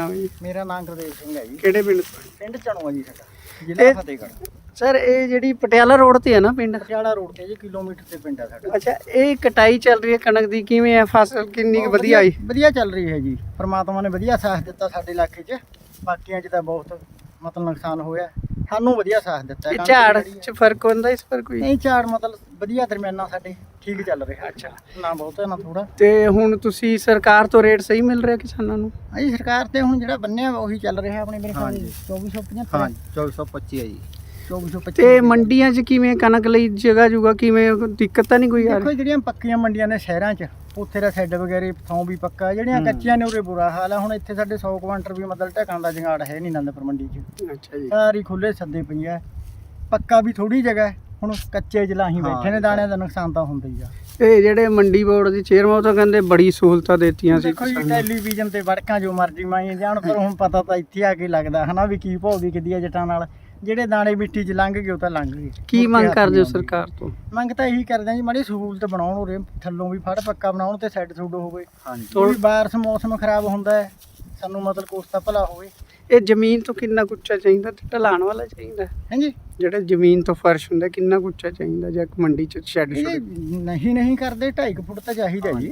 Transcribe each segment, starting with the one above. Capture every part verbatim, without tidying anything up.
ਨਾਮ ਹੈ ਜੀ? ਮੇਰਾ ਨਾਮ ਗੁਰਦੇਵ ਸਿੰਘ ਹੈ ਜੀ। ਕਿਹੜੇ ਪਿੰਡ ਤੋਂ? ਪਿੰਡ ਚਣੂਆ ਜੀ ਸਾਡਾ, ਜ਼ਿਲ੍ਹਾ ਫਤਿਹਗੜ੍ਹ। ਸਰ ਇਹ ਜਿਹੜੀ ਪਟਿਆਲਾ ਰੋਡ ਤੇ ਹੈ ਨਾ ਪਿੰਡ? ਪਟਿਆਲਾ ਰੋਡ ਤੇ ਜੀ, ਕਿਲੋਮੀਟਰ ਤੇ ਪਿੰਡ ਆ ਸਾਡਾ। ਅੱਛਾ, ਇਹ ਕਟਾਈ ਚੱਲ ਰਹੀ ਹੈ ਕਣਕ ਦੀ, ਕਿਵੇਂ ਹੈ ਫਸਲ, ਕਿੰਨੀ ਕੁ ਵਧੀਆ ਆਈ? ਵਧੀਆ ਚੱਲ ਰਹੀ ਹੈ ਜੀ, ਪ੍ਰਮਾਤਮਾ ਨੇ ਵਧੀਆ ਸਾਥ ਦਿੱਤਾ ਸਾਡੇ ਇਲਾਕੇ 'ਚ। ਬਾਕੀਆਂ 'ਚ ਤਾਂ ਬਹੁਤ ਮਤਲਬ ਨੁਕਸਾਨ ਹੋਇਆ, ਸਾਨੂੰ ਵਧੀਆ ਸਾਥ ਦਿੱਤਾ। ਇਹ ਝਾੜ 'ਚ ਫਰਕ ਹੁੰਦਾ ਇਸ ਪਰ ਕੋਈ? ਨਹੀਂ, ਝਾੜ ਮਤਲਬ ਵਧੀਆ ਦਰਮਿਆਨਾ ਸਾਡੇ ਠੀਕ ਚੱਲ ਰਿਹਾ। ਅੱਛਾ, ਨਾ ਬਹੁਤਾ ਨਾ ਥੋੜਾ। ਤੇ ਹੁਣ ਤੁਸੀਂ ਸਰਕਾਰ ਤੋਂ ਰੇਟ ਸਹੀ ਮਿਲ ਰਿਹਾ ਕਿਸਾਨਾਂ ਨੂੰ? ਹਾਂਜੀ, ਸਰਕਾਰ ਤੇ ਹੁਣ ਜਿਹੜਾ ਬੰਨਿਆ ਉਹੀ ਚੱਲ ਰਿਹਾ ਆਪਣੇ ਮੇਰੇ ਖਿਆਲ ਚੌਵੀ ਸੌ ਪਝੱਤਰ। ਹਾਂ, ਚੌਵੀ ਸੌ ਪੱਚੀ ਹੈ ਜੀ। ਚੌਵੀ ਸੌ ਪੱਚੀ। ਤੇ ਮੰਡੀਆਂ 'ਚ ਕਿਵੇਂ ਕਣਕ ਲਈ ਜਗ੍ਹਾ ਜੁਗਾ ਕਿਵੇਂ, ਦਿੱਕਤ ਤਾਂ ਨਹੀਂ ਕੋਈ ਆ ਦੇਖੋ ਰਹੀ? ਜਿਹੜੀਆਂ ਪੱਕੀਆਂ ਮੰਡੀਆਂ ਨੇ ਸ਼ਹਿਰਾਂ 'ਚ, ਉੱਥੇ ਦਾ ਸ਼ੈੱਡ ਵਗੈਰੇ ਥਾਂ ਵੀ ਪੱਕਾ, ਜਿਹੜੀਆਂ ਕੱਚੀਆਂ ਨੇ ਉਰੇ ਬੁਰਾ ਹਾਲ ਆ। ਹੁਣ ਇੱਥੇ ਸਾਡੇ ਸੌ ਕੁਆਂਟਲ ਵੀ ਮਤਲਬ ਢਕਣ ਦਾ ਜੰਗਾੜ ਹੈ ਨਹੀਂ ਆਨੰਦਪੁਰ ਮੰਡੀ 'ਚ। ਅੱਛਾ ਜੀ। ਸਾਰੀ ਖੁੱਲੇ ਸੱਦੇ ਪਈ ਆ, ਪੱਕਾ ਵੀ ਥੋੜੀ ਜਗ੍ਹਾ ਹੈ। ਹੁਣ ਕੱਚੇ ਜਲਾਹੀ ਬੈਠੇ ਨੇ, ਦਾਣਿਆਂ ਦਾ ਨੁਕਸਾਨ ਤਾਂ ਹੁੰਦਾ ਹੀ ਆ। ਇਹ ਜਿਹੜੇ ਮੰਡੀ ਬੋਰਡ ਦੇ ਚੇਅਰਮੈਨ ਉਹ ਤਾਂ ਕਹਿੰਦੇ ਬੜੀ ਸਹੂਲਤਾਂ ਦਿੱਤੀਆਂ ਸੀ ਦੇਖੋ ਜੀ, ਟੈਲੀਵਿਜ਼ਨ ਤੇ ਵੜਕਾਂ ਜੋ ਮਰਜ਼ੀ ਮਾਈ ਜਾਣ, ਪਰ ਹੁਣ ਪਤਾ ਤਾਂ ਇੱਥੇ ਆ ਕੇ ਲੱਗਦਾ ਹਨਾ ਵੀ ਕੀ ਭੌ ਵਿਕਦੀ ਆ ਜੱਟਾਂ ਨਾਲ। ਜਿਹੜੇ ਦਾਣੇ ਮਿੱਟੀ 'ਚ ਲੰਘ ਗਏ ਉਹ ਤਾਂ ਲੰਘ ਗਏ। ਕੀ ਮੰਗ ਕਰਦੇ ਹੋ ਸਰਕਾਰ ਤੋਂ? ਮੰਗ ਤਾਂ ਇਹੀ ਕਰਦੇ ਆ ਜੀ, ਮਾੜੀ ਸਹੂਲਤ ਬਣਾਉਣ, ਉਰੇ ਥੱਲੋਂ ਵੀ ਫੜ ਪੱਕਾ ਬਣਾਉਣ ਤੇ ਸਾਈਡ ਸੁੱਡ ਹੋਵੇ। ਹਾਂਜੀ, ਥੋੜੀ ਬਾਰਿਸ਼ ਮੌਸਮ ਖਰਾਬ ਹੁੰਦਾ ਹੈ, ਸਾਨੂੰ ਮਤਲਬ ਕੁਛ ਤਾਂ ਭਲਾ ਹੋਵੇ। ਇਹ ਜ਼ਮੀਨ ਤੋਂ ਕਿੰਨਾ ਕੁ ਉੱਚਾ ਚਾਹੀਦਾ ਤੇ ਢਲਾਣ ਵਾਲਾ ਚਾਹੀਦਾ? ਹਾਂਜੀ, ਜਿਹੜਾ ਜ਼ਮੀਨ ਤੋਂ ਫਰਸ਼ ਹੁੰਦਾ ਕਿੰਨਾ ਕੁ ਉੱਚਾ ਚਾਹੀਦਾ ਜਾਂ ਮੰਡੀ 'ਚ ਸ਼ੈੱਡ ਇਹ ਸ਼ੁੱਡ? ਨਹੀਂ ਨਹੀਂ ਕਰਦੇ, ਢਾਈ ਕੁ ਫੁੱਟ ਤਾਂ ਚਾਹੀਦਾ ਜੀ।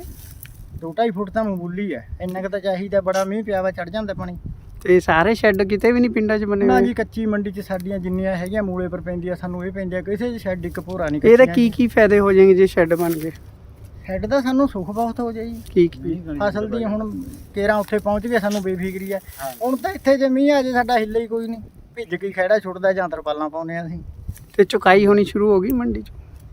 ਦੋ ਢਾਈ ਫੁੱਟ ਤਾਂ ਮਾਮੂਲੀ ਹੈ, ਇੰਨਾ ਕੁ ਤਾਂ ਚਾਹੀਦਾ। ਬੜਾ ਮੀਂਹ ਪਿਆ ਵਾ ਚੜ ਜਾਂਦਾ ਪਾਣੀ। ਤੇ ਸਾਰੇ ਸ਼ੈੱਡ ਕਿਤੇ ਵੀ ਨਹੀਂ ਪਿੰਡਾਂ 'ਚ ਬਣੇ ਨਾ ਹੋਏ? ਜੀ, ਕੱਚੀ ਮੰਡੀ 'ਚ ਸਾਡੀਆਂ ਜਿੰਨੀਆਂ ਹੈਗੀਆਂ ਮੂਲੇ ਪਰ ਪੈਂਦੀਆਂ, ਸਾਨੂੰ ਇਹ ਪੈਂਦੀਆਂ, ਕਿਸੇ 'ਚ ਸ਼ੈੱਡ ਇੱਕ ਭੋਰਾ ਨਹੀਂ। ਇਹਦੇ ਕੀ ਕੀ ਫਾਇਦੇ ਹੋ ਜਾਣਗੇ ਜੇ ਸ਼ੈੱਡ ਬਣ ਗਏ? ਸ਼ੈੱਡ ਦਾ ਸਾਨੂੰ ਸੁੱਖ ਬਹੁਤ ਹੋ ਜਾਈ। ਕੀ ਕੀ? ਫਸਲ ਦੀ ਹੁਣ ਕੇਰਾਂ ਉੱਥੇ ਪਹੁੰਚ ਗਏ, ਸਾਨੂੰ ਬੇਫਿਕਰੀ ਹੈ। ਹੁਣ ਤਾਂ ਇੱਥੇ ਜੇ ਮੀਂਹ ਆ ਜੇ ਸਾਡਾ ਹਿੱਲੇ ਹੀ ਕੋਈ ਨਹੀਂ, ਭਿੱਜ ਕੇ ਖਹਿੜਾ ਛੁੱਟਦਾ ਜਾਂ ਤਰਪਾਲਾਂ ਪਾਉਂਦੇ ਆ ਅਸੀਂ। ਤੇ ਚੁਕਾਈ ਹੋਣੀ ਸ਼ੁਰੂ ਹੋ ਗਈ ਮੰਡੀ 'ਚ?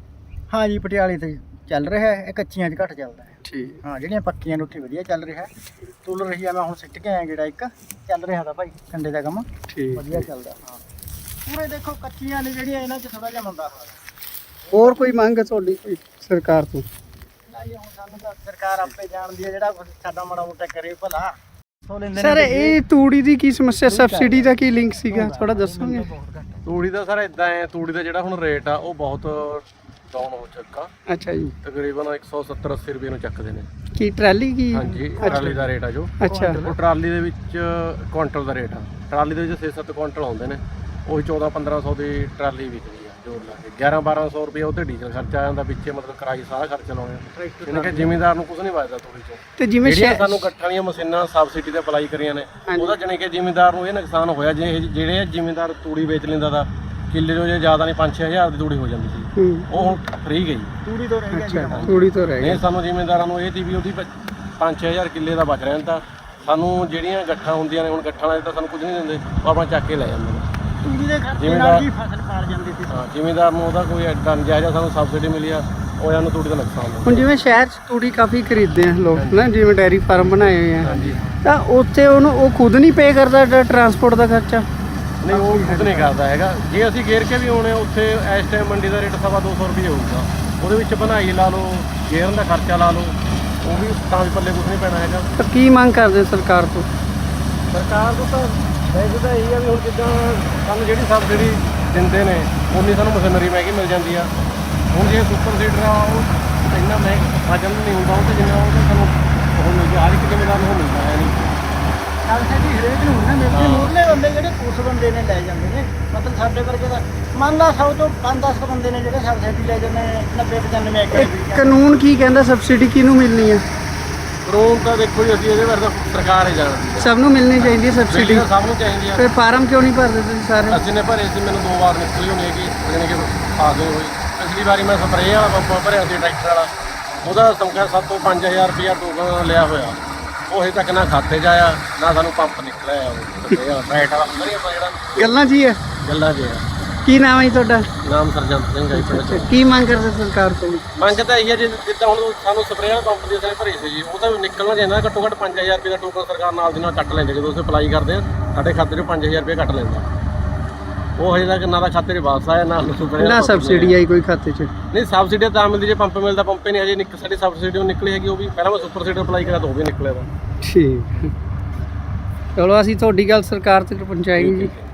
ਹਾਂ ਜੀ, ਪਟਿਆਲੇ ਤੇ ਚੱਲ ਰਿਹਾ ਹੈ, ਇਹ ਕੱਚੀਆਂ 'ਚ ਘੱਟ ਚੱਲਦਾ ਹੈ। ਠੀਕ। ਹਾਂ, ਜਿਹੜੀਆਂ ਪੱਕੀਆਂ ਨੇ ਉੱਥੇ ਵਧੀਆ ਚੱਲ ਰਿਹਾ। ਤੁਲ ਰਹੀ ਆ, ਮੈਂ ਹੁਣ ਸਿੱਟ ਕੇ ਆਇਆ ਜਿਹੜਾ ਇੱਕ ਚੱਲ ਰਿਹਾ ਤਾਂ ਭਾਈ ਕੰਡੇ ਦਾ ਕੰਮ ਠੀਕ, ਵਧੀਆ ਚੱਲਦਾ। ਹਾਂ, ਪੂਰੇ ਦੇਖੋ ਕੱਚੀਆਂ ਨੇ ਜਿਹੜੀਆਂ, ਇਹਨਾਂ 'ਚ ਥੋੜਾ ਜਿਹਾ ਮੰਦਾ ਹਾਲ ਹੈ। ਹੋਰ ਕੋਈ ਮੰਗ ਹੈ ਤੁਹਾਡੀ ਕੋਈ ਸਰਕਾਰ ਤੋਂ? ਨਾ ਜੀ, ਹੁਣ ਸਾਨੂੰ ਤਾਂ ਸਰਕਾਰ ਆਪੇ ਜਾਣਦੀ ਹੈ, ਜਿਹੜਾ ਕੁਛ ਸਾਡਾ ਮਾੜਾ ਮੋਟਾ ਕਰੇ ਭਲਾ। ਸੋ ਲੈਂਦੇ ਨੇ ਸਰ ਇਹ ਤੂੜੀ ਦੀ ਕੀ ਸਮੱਸਿਆ, ਸਬਸਿਡੀ ਦਾ ਕੀ ਲਿੰਕ ਸੀਗਾ, ਥੋੜਾ ਦੱਸੋਗੇ? ਤੂੜੀ ਦਾ ਸਰ ਇਦਾਂ ਹੈ, ਤੂੜੀ ਦਾ ਜਿਹੜਾ ਹੁਣ ਰੇਟ ਆ ਉਹ ਬਹੁਤ ਡਾਊਨ ਹੋ ਚੁੱਕਾ। ਅੱਛਾ ਜੀ। ਤਕਰੀਬਨ ਇੱਕ ਸੌ ਸੱਤਰ ਅੱਸੀ ਰੁਪਏ ਨੂੰ ਚੱਕਦੇ ਨੇ। ਕੀ ਟਰਾਲੀ ਕੀ? ਹਾਂਜੀ, ਟਰਾਲੀ ਦਾ ਰੇਟ ਆ ਜੋ। ਅੱਛਾ। ਉਹ ਟਰਾਲੀ ਦੇ ਵਿੱਚ ਕੁਆਂਟਲ ਦਾ ਰੇਟ ਆ। ਟਰਾਲੀ ਦੇ ਵਿੱਚ ਛੇ ਸੱਤ ਕੁਆਂਟਲ ਆਉਂਦੇ ਨੇ, ਉਹੀ ਚੌਦਾਂ ਪੰਦਰਾਂ ਸੌ ਦੀ ਟਰਾਲੀ ਵਿਕਦੀ ਆ ਜੋੜ ਲਾ ਕੇ। ਗਿਆਰਾਂ ਬਾਰਾਂ ਸੌ ਰੁਪਏ ਉਹ ਤੇ ਡੀਜ਼ਲ ਖਰਚਾ ਆ ਜਾਂਦਾ, ਵਿੱਚੇ ਮਤਲਬ ਕਿਰਾਏ ਸਾਰਾ ਖਰਚਾ ਲਾਉਣੇ। ਇਹਨਾਂ ਕਿ ਜ਼ਿਮੀਂਦਾਰ ਨੂੰ ਕੁਝ ਨਹੀਂ ਬਚਦਾ ਤੂੜੀ ਚੋਂ। ਤੇ ਜਿਵੇਂ ਜਿਹੜੀਆਂ ਸਾਨੂੰ ਗੱਠਾਂ ਵਾਲੀਆਂ ਮਸ਼ੀਨਾਂ ਸਬਸਿਡੀ ਤੇ ਅਪਲਾਈ ਕਰੀਆਂ ਨੇ, ਉਹਦਾ ਜਾਣੀ ਕਿ ਜ਼ਿਮੀਂਦਾਰ ਨੂੰ ਇਹ ਨੁਕਸਾਨ ਹੋਇਆ। ਜੇ ਜਿਹੜੇ ਜ਼ਿਮੀਂਦਾਰ ਤੂੜੀ ਵੇਚ ਲੈਂਦਾ ਤਾਂ ਕਿੱਲੇ ਜੋ ਜੇ ਜ਼ਿਆਦਾ ਨਹੀਂ ਪੰਜ ਛੇ ਹਜ਼ਾਰ ਦੀ ਤੂੜੀ ਹੋ ਜਾਂਦੀ ਸੀ, ਉਹ ਹੁਣ ਫ੍ਰੀ ਗਈ। ਤੂੜੀ ਤੋਂ ਰਹਿ ਗਿਆ। ਅੱਛਾ, ਤੂੜੀ ਤੋਂ ਰਹਿ ਨਹੀਂ, ਗਿਆ। ਸਾਨੂੰ ਜ਼ਿਮੀਂਦਾਰਾਂ ਨੂੰ ਇਹ ਸੀ ਵੀ ਉਹਦੀ ਪੰਜ ਛੇ ਹਜ਼ਾਰ ਕਿੱਲੇ ਦਾ ਬਚ ਰਿਹਾ। ਤਾਂ ਸਾਨੂੰ ਜਿਹੜੀਆਂ ਗੱਠਾਂ ਹੁੰਦੀਆਂ ਨੇ, ਹੁਣ ਗੱਠਾਂ ਵਾਲੇ ਤਾਂ ਸਾਨੂੰ ਕੁਝ ਨਹੀਂ ਦਿੰਦੇ, ਉਹ ਆਪਣਾ ਚੱਕ ਕੇ ਲੈ ਜਾਂਦੇ ਨੇ। ਤੂੜੀ ਦੇ ਖਰਚੇ ਨਾਲ ਹੀ ਫਸਲ ਪਾਲ ਜਾਂਦੀ ਸੀ। ਹਾਂ, ਜ਼ਿਮੀਂਦਾਰ ਨੂੰ ਉਹਦਾ ਕੋਈ ਐਡਾ ਨਜਾਇਜ਼ ਸਾਨੂੰ ਸਬਸਿਡੀ ਮਿਲੀ ਆ, ਉਹ ਇਹਨਾਂ ਨੂੰ ਤੂੜੀ ਦਾ ਨੁਕਸਾਨ ਹੋਇਆ। ਹੁਣ ਜਿਵੇਂ ਸ਼ਹਿਰ 'ਚ ਤੂੜੀ ਕਾਫੀ ਖਰੀਦਦੇ ਆ ਲੋਕ ਨਾ, ਜਿਵੇਂ ਡੈਰੀ ਫਾਰਮ ਬਣਾਏ ਹੋਏ ਆ, ਹਾਂਜੀ। ਤਾਂ ਉੱਥੇ ਉਹਨੂੰ ਉਹ ਖੁਦ ਨਹੀਂ ਪੇ ਕਰਦਾ ਟਰਾਂਸਪੋਰਟ ਦਾ ਖਰਚਾ? ਨਹੀਂ, ਉਹ ਖੁਦ ਨਹੀਂ ਕਰਦਾ ਹੈਗਾ। ਜੇ ਅਸੀਂ ਗੇਰ ਕੇ ਵੀ ਆਉਣੇ, ਉੱਥੇ ਇਸ ਟਾਈਮ ਮੰਡੀ ਦਾ ਰੇਟ ਸਵਾ ਦੋ ਸੌ ਰੁਪਏ ਹੋਊਗਾ। ਉਹਦੇ ਵਿੱਚ ਬਣਾਈ ਲਾ ਲਓ, ਗੇਰਨ ਦਾ ਖਰਚਾ ਲਾ ਲਓ, ਉਹ ਵੀ ਤਾਂ ਵੀ ਪੱਲੇ ਕੁਝ ਨਹੀਂ ਪੈਣਾ ਹੈਗਾ। ਤਾਂ ਕੀ ਮੰਗ ਕਰਦੇ ਸਰਕਾਰ ਤੋਂ? ਸਰਕਾਰ ਨੂੰ ਤਾਂ ਵੈਸੇ ਤਾਂ ਇਹੀ ਆ ਵੀ ਹੁਣ ਜਿੱਦਾਂ ਸਾਨੂੰ ਜਿਹੜੀ ਸਬਸਿਡੀ ਦਿੰਦੇ ਨੇ, ਉਨੀ ਸਾਨੂੰ ਮਸ਼ੀਨਰੀ ਮਹਿੰਗੀ ਮਿਲ ਜਾਂਦੀ ਆ। ਹੁਣ ਜੇ ਸੁਪਰ ਸੀਡਰ ਆ, ਉਹ ਇੰਨਾ ਮਹਿੰਗਾ ਵਜਨ ਨਹੀਂ ਹੁੰਦਾ, ਉਹ ਤੇ ਜਿੰਨਾ ਉਹ ਤਾਂ ਸਾਨੂੰ ਉਹ ਮਿਲ ਗਿਆ। ਹਰ ਇੱਕ ਜ਼ਿਮੀਂਦਾਰ ਨੂੰ ਉਹ ਮਿਲਦਾ ਹੈ ਨਹੀਂ। ਸਬਸਿਡੀ ਹਰੇਕ ਨੂੰ ਨਾ ਮਿਲਦੀ। ਮੂਰਲੇ ਬੰਦੇ ਜਿਹੜੇ ਕੁਛ ਬੰਦੇ ਨੇ ਲੈ ਜਾਂਦੇ ਨੇ, ਮਤਲਬ ਸਾਡੇ ਵਰਗੇ ਦਾ ਮੰਨ ਲਾ ਸੌ ਤੋਂ ਪੰਜ ਦਸ ਬੰਦੇ ਨੇ ਜਿਹੜੇ ਸਬਸਿਡੀ ਲੈ ਜਾਂਦੇ ਨੇ। ਨੱਬੇ ਪਚਾਨਵੇਂ ਏਕੜ ਵੀ। ਕਾਨੂੰਨ ਕੀ ਕਹਿੰਦਾ ਸਬਸਿਡੀ ਕਿਹਨੂੰ ਮਿਲਣੀ ਹੈ? ਕਾਨੂੰਨ ਤਾਂ ਦੇਖੋ ਜੀ, ਅਸੀਂ ਇਹਦੇ ਬਾਰੇ ਤਾਂ ਸਰਕਾਰ ਹੀ ਜਾਣਦੀ ਹੈ। ਸਭ ਨੂੰ ਮਿਲਣੀ ਚਾਹੀਦੀ ਹੈ ਸਬਸਿਡੀ? ਤਾਂ ਸਭ ਨੂੰ ਚਾਹੀਦੀ ਆ। ਫਿਰ ਫਾਰਮ ਕਿਉਂ ਨਹੀਂ ਭਰਦੇ ਤੁਸੀਂ ਸਾਰੇ? ਅਸੀਂ ਨੇ ਭਰੇ ਸੀ, ਮੈਨੂੰ ਦੋ ਵਾਰ ਨਿਕਲੀ ਹੋਣੀ ਹੈਗੀ, ਜਾਣੀ ਕਿ ਆ ਗਏ ਹੋਈ। ਪਿਛਲੀ ਵਾਰੀ ਮੈਂ ਸਪਰੇਅ ਵਾਲਾ ਪੰਪ ਭਰਿਆ ਸੀ ਟਰੈਕਟਰ ਵਾਲਾ, ਉਹਦਾ ਸਮਕਾ ਸੱਤ ਤੋਂ ਪੰਜ ਹਜ਼ਾਰ ਰੁਪਇਆ ਟੋਕਨ ਲਿਆ ਹੋਇਆ। ਉਹ ਹਜੇ ਤੱਕ ਨਾ ਖਾਤੇ 'ਚ ਆਇਆ, ਨਾ ਸਾਨੂੰ ਪੰਪ ਨਿਕਲਿਆ। ਉਹ ਟਰੈਕਟ ਵਾਲਾ ਹੁੰਦਾ ਨਹੀਂ ਆਪਾਂ ਜਿਹੜਾ ਗੱਲਾਂ ਜੀ ਹੈ, ਗੱਲਾਂ ਜੇ ਆ। ਕੀ ਨਾਮ ਹੈ ਜੀ ਤੁਹਾਡਾ? ਨਾਮ ਸਰਜੰਤ ਸਿੰਘ ਹੈ ਪਿੰਡ 'ਚ। ਕੀ ਮੰਗ ਕਰਦੇ ਸਰਕਾਰ ਤੋਂ? ਮੰਗ ਤਾਂ ਇਹੀ ਹੈ, ਜੇ ਜਿੱਦਾਂ ਹੁਣ ਸਾਨੂੰ ਸਪਰੇਅ ਵਾਲਾ ਪੰਪ ਦੀ ਅਸੀਂ ਭਰੇ ਸੀ ਜੀ, ਉਹ ਤਾਂ ਨਿਕਲਣਾ ਚਾਹੀਦਾ। ਘੱਟੋ ਘੱਟ ਪੰਜ ਹਜ਼ਾਰ ਰੁਪਏ ਦਾ ਟੋਕਨ ਸਰਕਾਰ ਨਾਲ ਦੀ ਨਾਲ ਕੱਟ ਲੈਂਦੇ। ਜਦੋਂ ਅਸੀਂ ਅਪਲਾਈ ਕਰਦੇ ਹਾਂ, ਸਾਡੇ ਖਾਤੇ 'ਚੋਂ ਪੰਜ ਹਜ਼ਾਰ ਰੁਪਏ ਕੱਟ ਲੈਂਦਾ। ਉਹ ਹਜੇ ਤੱਕ ਨਾ ਦਾ ਖਾਤੇ 'ਚ ਵਾਪਸ ਆਇਆ, ਨਾ ਸਪਰੇਅ ਨਾ ਸਬਸਿਡੀ ਆਈ ਕੋਈ ਖਾਤੇ 'ਚ? ਨਹੀਂ, ਸਬਸਿਡੀ ਤਾਂ ਮਿਲਦੀ ਜੇ ਪੰਪ ਮਿਲਦਾ। ਪੰਪ ਹੀ ਨਹੀਂ ਹਜੇ ਨਿਕ ਸਾਡੀ ਸਬਸਿਡੀ ਨਿਕਲੀ ਹੈਗੀ। ਉਹ ਵੀ ਪਹਿਲਾਂ ਮੈਂ ਸੁਪਰ ਸੀਡਰ ਅਪਲਾਈ ਕਰਿਆ ਤਾਂ ਉਹ ਵੀ ਨਿਕਲਿਆ ਦਾ। ਠੀਕ, ਚਲੋ ਅਸੀਂ ਤੁਹਾਡੀ ਗੱਲ ਸਰਕਾਰ ਤੱਕ ਪਹੁੰਚਾਏਂਗੇ ਜੀ।